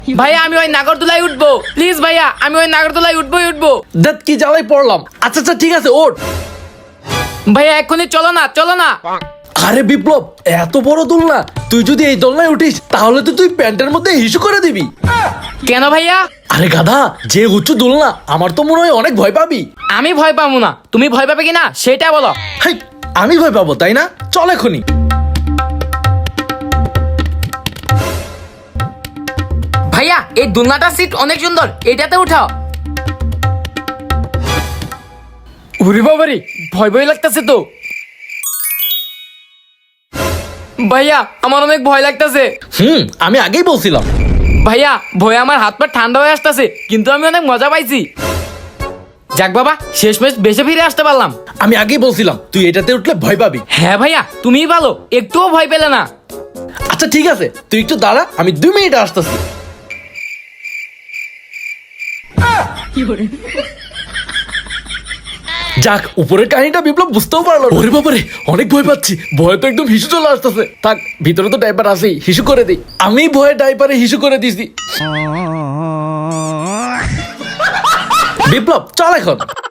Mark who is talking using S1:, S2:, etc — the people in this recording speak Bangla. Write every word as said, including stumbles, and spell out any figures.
S1: ভাইয়া আমি ওই নাগরদোলায় উঠবো, প্লিজ ভাইয়া আমি ওই নাগরদোলায় উঠবোই উঠবো।
S2: দেখ কি জ্বালাই পড়লাম। আচ্ছা আচ্ছা ঠিক আছে ওঠ।
S1: ভাইয়া এক্ষুনি চলো না, চলো না।
S2: আরে বিপ্লব, এত বড় দোলনা, তুই যদি এই দোলনায় উঠিস তাহলে তো তুই প্যান্টের মধ্যে হিসু করে দিবি।
S1: কেন ভাইয়া?
S2: আরে গাধা, যে উঁচু দোলনা, আমার তো মনে হয় অনেক ভয় পাবি।
S1: আমি ভয় পাবো না, তুমি ভয় পাবে কিনা সেটা বলো।
S2: হাই, আমি ভয় পাবো তাই না? চল এখনই।
S1: ভাইয়া এই দোলনাটার সিট অনেক সুন্দর, এটাতে উঠাও। ওরে বাবারে, ভয় ভয় লাগতেছে তো। ভাইয়া আমার অনেক ভয় লাগতেছে।
S2: হুম, আমি আগেই বলছিলাম।
S1: ভাইয়া ভয়ে আমার হাত পা ঠান্ডা হয়ে আসতেছে, কিন্তু আমি অনেক মজা পাইছি। যাক বাবা, শেষমেশ বেঁচে ফিরে আসতে পারলাম।
S2: আমি আগেই বলছিলাম তুই এটাতে উঠলে ভয় পাবি।
S1: হ্যাঁ ভাইয়া তুমিই ভালো, একটুও ভয় পেলে না।
S2: আচ্ছা ঠিক আছে, তুই একটু দাঁড়া, আমি দুই মিনিট আসতেছি। যাক, উপরের কাহিনীটা বিপ্লব বুঝতেও পারলো না। ওরে বাবারে, অনেক ভয় পাচ্ছি, ভয় তো একদম হিসু চলে আসতেছে। থাক, ভিতরে তো ডাইপার আছেই, হিসু করে দিই। আমি ভয়ে ডাইপারে হিসু করে দিছি। বিপ্লব চল এখন।